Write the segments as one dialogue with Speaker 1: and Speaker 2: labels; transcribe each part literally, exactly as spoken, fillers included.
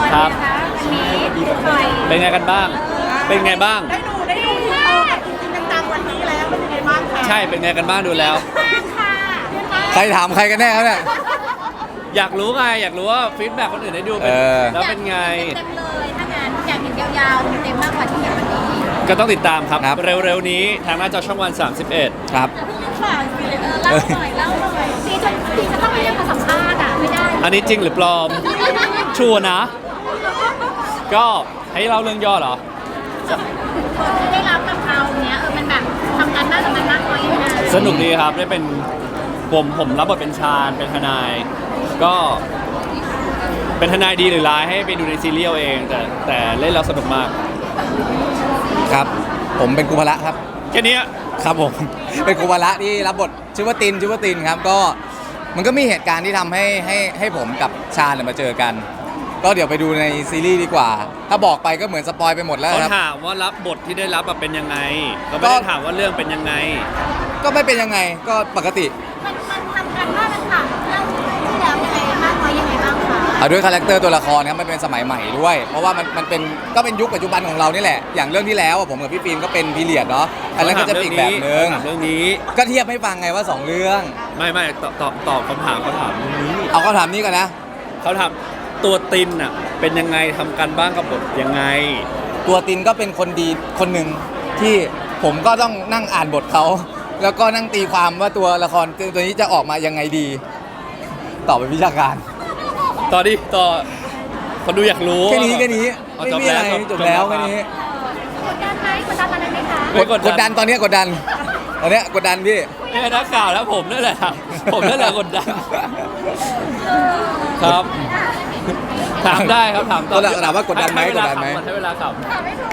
Speaker 1: ครับ
Speaker 2: นะคะวันนี้ปล่อย
Speaker 1: เป็นไงกันบ้าง เป็นไงบ้าง
Speaker 2: ได้ดูได้ดูโตแบบจริงๆจังๆวันนี้แล้วเป็นยังไงบ้างคะ
Speaker 1: ใช่เป็นไงกันบ้างดูแล้ว
Speaker 2: มากค่ะ
Speaker 3: ใครถามใครกันแน่ครับเนี่ย
Speaker 1: อยากรู้ไงอยากรู้ว่าฟีดแบ็กคนอื่นได้ดูเป็น
Speaker 3: เออ
Speaker 1: แล้วเป็นไง
Speaker 2: เต็มเลยถ้างานอยากเห็นยาวๆเต็มมากกว่าที่เห็นวันนี้
Speaker 1: ก็ต้องติดตามครับ
Speaker 3: ครับ
Speaker 1: เร็วๆนี้ทางหน้าจอช่องวัน สามสิบเอ็ด
Speaker 3: ครับ
Speaker 2: แต่พวกนี้ฝากสิเออเล่าหน่อยเล่าหน่อยพี่จะพี่จะต้องไปเรียกมาสัมภาษณ์อ่ะไม่ได้
Speaker 1: อันนี้จริงหรือปลอม ชัวร์นะ ก็ให้เล่าเรื่องย่อเหรอ
Speaker 2: คนที่ได้รับกับเราเนี้ยเออมันแบบทำกันบ้านกับมันมากน้อยยังไง
Speaker 1: สนุกดีครับได้เป็นผมผมรับบทเป็นชาญเป็นทนาย ก็เป็นทนายดีหรือร้ายให้ไปดูในซีรีส์เอาเอง แต่แต่เล่นแล้วสนุกมาก
Speaker 3: ครับ ผมเป็นกุภละครับ
Speaker 1: แค่เนี้ย
Speaker 3: ครับผม เป็นกุภละที่รับบทชื่อว่าตินชื่อว่าตินครับ ก็มันก็มีเหตุการณ์ที่ทำให้ให้ให้ผมกับชาญเนี่ยมาเจอกัน ก็เดี๋ยวไปดูในซีรีส์ดีกว่า ถ้าบอกไปก็เหมือนสปอยไปหมดแล้ว
Speaker 1: เขา
Speaker 3: ครับ
Speaker 1: ถามว่ารับบทที่ได้รับแบบเป็นยังไงเขาไม่ได้ถามว่าเรื่องเป็นยังไง
Speaker 3: ก็ไม่เป็นยังไง ก็ปกติ
Speaker 2: มันมันทำกันบ้านมันต่างเรื่องที่แล้วยังไงมากน้อยยังไงบ้างคะ
Speaker 3: เอาด้วยคาแรคเตอร์ตัวละครครับมันเป็นสมัยใหม่ด้วย เพราะว่ามันมันเป็นก็เป็นยุคปัจจุบันของเรานี่แหละ อย่างเรื่องที่แล้วอะผมกับพี่ฟิล์มก็เป็นพีเรียดเนาะ อันนั้นก็จะเป็นอีกแบบนึง
Speaker 1: ถามเรื่องนี้
Speaker 3: ก็เทียบให้ฟังไงว่าสองเรื่อง
Speaker 1: ไม่ไม่ตอบตอบตอบคำถามเขาถามเรื่องนี้
Speaker 3: เอาเขาถามนี้ก่อนนะ
Speaker 1: เขาถามตัวตินอ่ะเป็นยังไงทำการบ้านกับบทยังไง
Speaker 3: ตัวตินก็เป็นคนดีคนหนึ่งที่ผมก็ต้องนั่งอ่านบทเขา แล้วก็นั่งตีความว่าตัวละครตัวนี้จะออกมายังไงดี ตอบเป็นวิชาการ
Speaker 1: ต่อดิต่อคนดูอยากรู้
Speaker 3: แค่นี้แค่นี้
Speaker 1: เอา
Speaker 3: ไม่
Speaker 1: จบ
Speaker 3: มีอะไร
Speaker 1: แล้ว
Speaker 3: จบแล้ว
Speaker 1: จบ
Speaker 3: แค่
Speaker 1: แล้ว
Speaker 3: นี้
Speaker 2: กดดันไหมกดดันอะไรไหมคะ
Speaker 1: ไม่
Speaker 3: กดกดดันตอนนี้กดดันตอนเนี้ยกดดันพี่
Speaker 1: เนี่ยนักข่าวแล้วผมนั่นแหละครับผมนั่นแหละกดดันครับ ถามได้ครับถามต่อ
Speaker 3: ถามว่ากดดันไหม
Speaker 1: ให้เวลาก
Speaker 3: ดดันไหม
Speaker 1: ขำให้เวลาขับ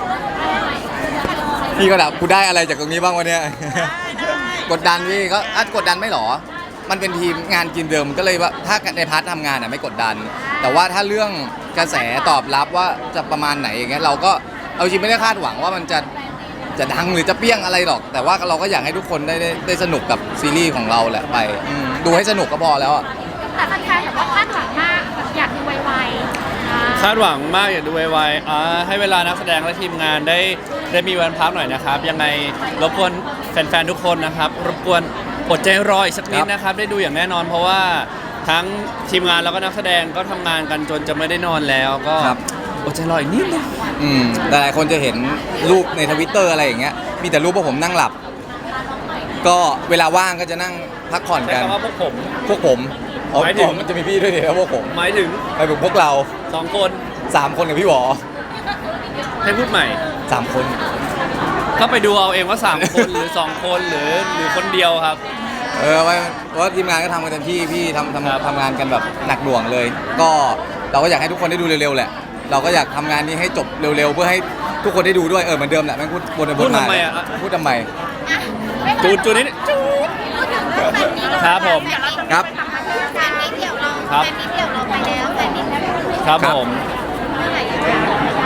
Speaker 3: พี่ก็ถามกูได้อะไรจากตรงนี้บ้างวะเนี่ยกดดันพี่ก็อ่ะกดดันไม่หรอ มันเป็นทีมงานกินเดิมก็เลยว่าถ้าในพาร์ททำงานอ่ะไม่กดดัน แต่ว่าถ้าเรื่องกระแสตอบรับว่าจะประมาณไหนอย่างเงี้ยเราก็เอาจริงไม่ได้คาดหวังว่ามันจะจะดังหรือจะเปี้ยงอะไรหรอก แต่ว่าเราก็อยากให้ทุกคนได้ได้ได้สนุกกับซีรีส์ของเราแหละไปอืมดูให้สนุกก็พอแล้วอะ
Speaker 2: แต่แฟนๆแบบว่าคาดหวังมากแบบอยากดูไวๆอ่า
Speaker 1: คาดหวังมากอยากดูไวๆอ่าให้เวลานักแสดงและทีมงานได้ได้มีวันพักหน่อยนะครับ ยังไงรบกวนแฟนๆทุกคนนะครับ รบกวนอดใจรออีกสักนิดนะครับ ได้ดูอย่างแน่นอน เพราะว่าทั้งทีมงานแล้วก็นักแสดงก็ทำงานกันจนจะไม่ได้นอนแล้วก็อดใจรออีกนิดนึง
Speaker 3: อืมหลายๆคนจะเห็นรูปในทวิตเตอร์อะไรอย่างเงี้ยมีแต่รูปพวกผมนั่งหลับ ก็เวลาว่างก็จะนั่งพักผ่อน
Speaker 1: ใช้
Speaker 3: กัน
Speaker 1: คำว่าพวกผม
Speaker 3: พวกผมอ๋อ
Speaker 1: หมายถึง
Speaker 3: อ๋อมันจะมีพี่ด้วยดิแล้วพวกผม
Speaker 1: หมายถึง
Speaker 3: ไปถึงพวกเรา
Speaker 1: สองคน
Speaker 3: สามคนกับพี่หวอ
Speaker 1: ให้พูดใหม่
Speaker 3: สามคน
Speaker 1: ก็ไปดูเอาเองว่าสามคนหรือสองคนหรือหรือคนเดียวครับ
Speaker 3: เออว่าเพราะว่าทีมงานก็ทำกันเต็มที่พี่ทำ
Speaker 1: ครับ
Speaker 3: ทำทำงานกันแบบหนักหน่วงเลย ก็เราก็อยากให้ทุกคนได้ดูเร็วๆแหละ เราก็อยากทำงานนี้ให้จบเร็วๆ เพื่อให้ทุกคนได้ดูด้วยเออเหมือนเดิมแหละแม่งพูดวนไปวนมา
Speaker 1: พูดทำไมอะ
Speaker 3: พูดทำไม
Speaker 1: จูนจูนนิด
Speaker 2: พูดถึงเรื่องแฟนมีต
Speaker 1: ครับผม
Speaker 3: ครับ
Speaker 2: แฟนมีเดี่ยวเรา
Speaker 1: ครับ
Speaker 2: แฟนมีเดี่ยวเราไปแล้วแฟนมีแล้ว
Speaker 1: ครับ
Speaker 3: ครับ
Speaker 1: ผม
Speaker 2: เมื่อไหร่อะคะ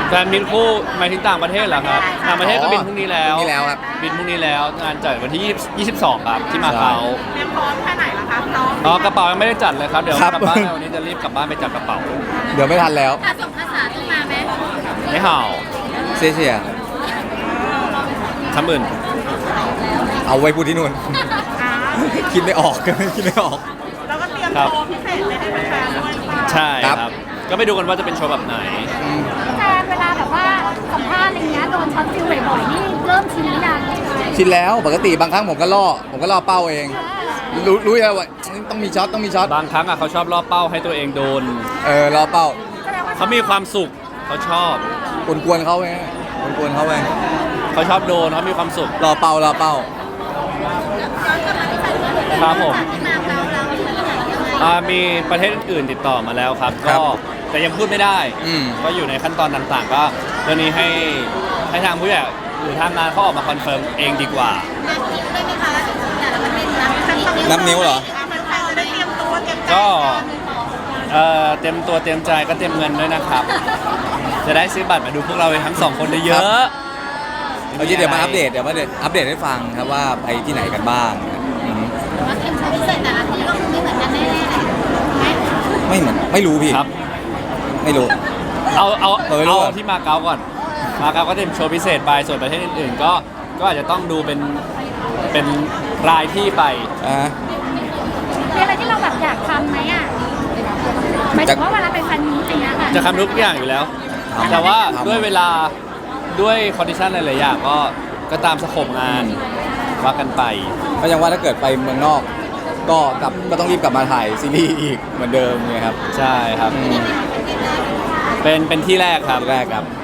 Speaker 1: แฟนมิตรคู่หมายถึงต่างประเทศเหรอครับต่างประเทศก็บินพรุ่งนี้แล้ว
Speaker 3: พรุ่งนี้แล้วครับ
Speaker 1: บินพรุ่งนี้แล้วงานจัดวันที่ยี่สิบสองครับที่มาเก๊า
Speaker 2: เตรียมพร้อมแค่ไหนล่ะคะพร้อม
Speaker 1: อ๋อกระเป๋ายังไม่ได้จัดเลยครับเดี๋ยว
Speaker 3: ครับ
Speaker 1: กลับบ้านแล้ววันนี้จะรีบกลับบ้านไปจัดกระเป๋า
Speaker 3: เดี๋ยวไม่ทันแล้ว
Speaker 2: ภาษาภาษาต้องมาไหม
Speaker 1: ไม่เห่า
Speaker 3: เสียเสีย
Speaker 1: ทำอื่น
Speaker 3: เอาไว้พูดที่นู่น คิดไม่ออก คิดไม่ออก
Speaker 2: แล้วก็เตรียม
Speaker 1: ครับ
Speaker 2: โชว์พิเศษเลยให้แฟนๆด้วยป่ะ
Speaker 1: ใช่
Speaker 3: ครับ
Speaker 1: ครับ ก็ไปดูกันว่าจะเป็นโชว์แบบไหน
Speaker 3: อืม
Speaker 2: แฟนเวลาแบบว่าสัมภาษณ์อะไรเงี้ยโดนช็อตฟิลบ่อยๆนี่เริ่มชินหรือยัง
Speaker 3: คิดแล้วปกติบางครั้งผมก็ล่อผมก็ล่อเป้าเอง รู้รู้อยู่แล้วว่าต้องมีช็อตต้องมีช็อต
Speaker 1: บางครั้งอ่ะเขาชอบล่อเป้าให้ตัวเองโดน
Speaker 3: เออล่อเป้า
Speaker 2: แสดงว่า
Speaker 1: เขามีความสุขเขาชอบ
Speaker 3: กวนๆเขาไงกวนๆเขาไป
Speaker 1: เขาชอบโดนเขามีความสุข
Speaker 3: ล่อเป้าล่อเป้า
Speaker 1: ครับผม
Speaker 2: ที่มาเราเราที่ไหนยังไง
Speaker 1: อ่ามีประเทศอื่นๆติดต่อมาแล้วครับ
Speaker 3: ครั
Speaker 1: ก็
Speaker 3: บ
Speaker 1: แต่ยังพูดไม่ได้
Speaker 3: อืม
Speaker 1: ก็อยู่ในขั้นตอนต่างๆ ก็เรื่องนี้ให้ให้ทางผู้ใหญ่หรือทางงานเขาออกมาคอนเฟิร์มเองดีกว่า
Speaker 2: นับนิ้วได้ไหมคะแต่ละประเทศนับขั้นตอน
Speaker 3: นับนิ้วเหรอ
Speaker 2: แฟนๆจะได้เตรียมตัวเตรียมใจ
Speaker 1: ก็เอ่อเต็มตัวเต็มใจก็เต็มเงินด้วยนะครับ จะได้ซื้อบัตรมาดูพวกเราทั้งสองคนเย
Speaker 3: ครั
Speaker 1: อะ
Speaker 3: บ เอาจริงเดี๋ยวมาอัปเดตเดี๋ยวมาเดตอัปเดตให้ฟังครับว่าไปที่ไหนกันบ้างอืม
Speaker 2: แต่ว่าเตรียมโชว์พิเศษแต่ละที่ก็คงไม่เหมือนกันแน่ๆไหม
Speaker 3: ไม่เหมือนไม่รู้พี่
Speaker 1: ครับ
Speaker 3: ไม่รู้
Speaker 1: เอาเอา
Speaker 3: เราไม่รู้
Speaker 1: เอา
Speaker 3: อะ
Speaker 1: ที่มาเก๊าก่อนมาเก๊าก็จะมีโชว์พิเศษไปส่วนประเทศอื่นๆก็ก็อาจจะต้องดูเป็นเป็นรายที่ไป
Speaker 3: อ่าฮะ
Speaker 2: มีอะไรที่เราแบบอยากทำไหมอ่ะหมายถึงว่าเวลาไปแฟนมีตอย่างเงี้ยค่ะ
Speaker 1: จะทำทุกอย่างอยู่แล้ว
Speaker 3: ทำ
Speaker 1: แต่ว่า
Speaker 3: ทำ
Speaker 1: ด้วยเวลาด้วยคอนดิชันหลายๆอย่างก็ก็ตามสโคปงานว่ากันไป
Speaker 3: ก็ยังว่าถ้าเกิดไปเมืองนอก ก็กลับก็ต้องรีบกลับมาถ่ายซีรีส์อีกเหมือนเดิมไงครับ
Speaker 1: ใช่ครับ
Speaker 3: อืม
Speaker 1: เป็นเป็นที่แรกครับ
Speaker 3: แรกครับ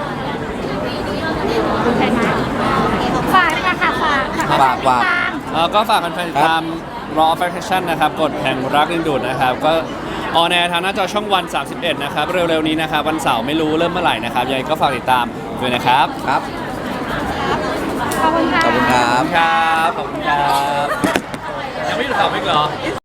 Speaker 2: ใช่ไหมฝากเลยค่ะฝาก
Speaker 3: ฝากฝาก
Speaker 2: ตาม
Speaker 1: เอ่อก็ฝากแฟนๆติดตาม Raw Affection นะครับกดแห่งรักดึงดูดนะครับ ก็ออนแอร์ทางหน้าจอช่องวัน สามสิบเอ็ด นะครับ เร็วๆนี้นะครับ วันเสาร์ไม่รู้เริ่มเมื่อไหร่นะครับยังไงก็ฝากติดตามด้วยนะครับ
Speaker 3: ครับ
Speaker 2: ขอบคุณค่ะ
Speaker 3: ขอบคุณครับ
Speaker 1: ครับ ขอบคุณครับ ยังไม่หยุดข่าวอีกเหรอ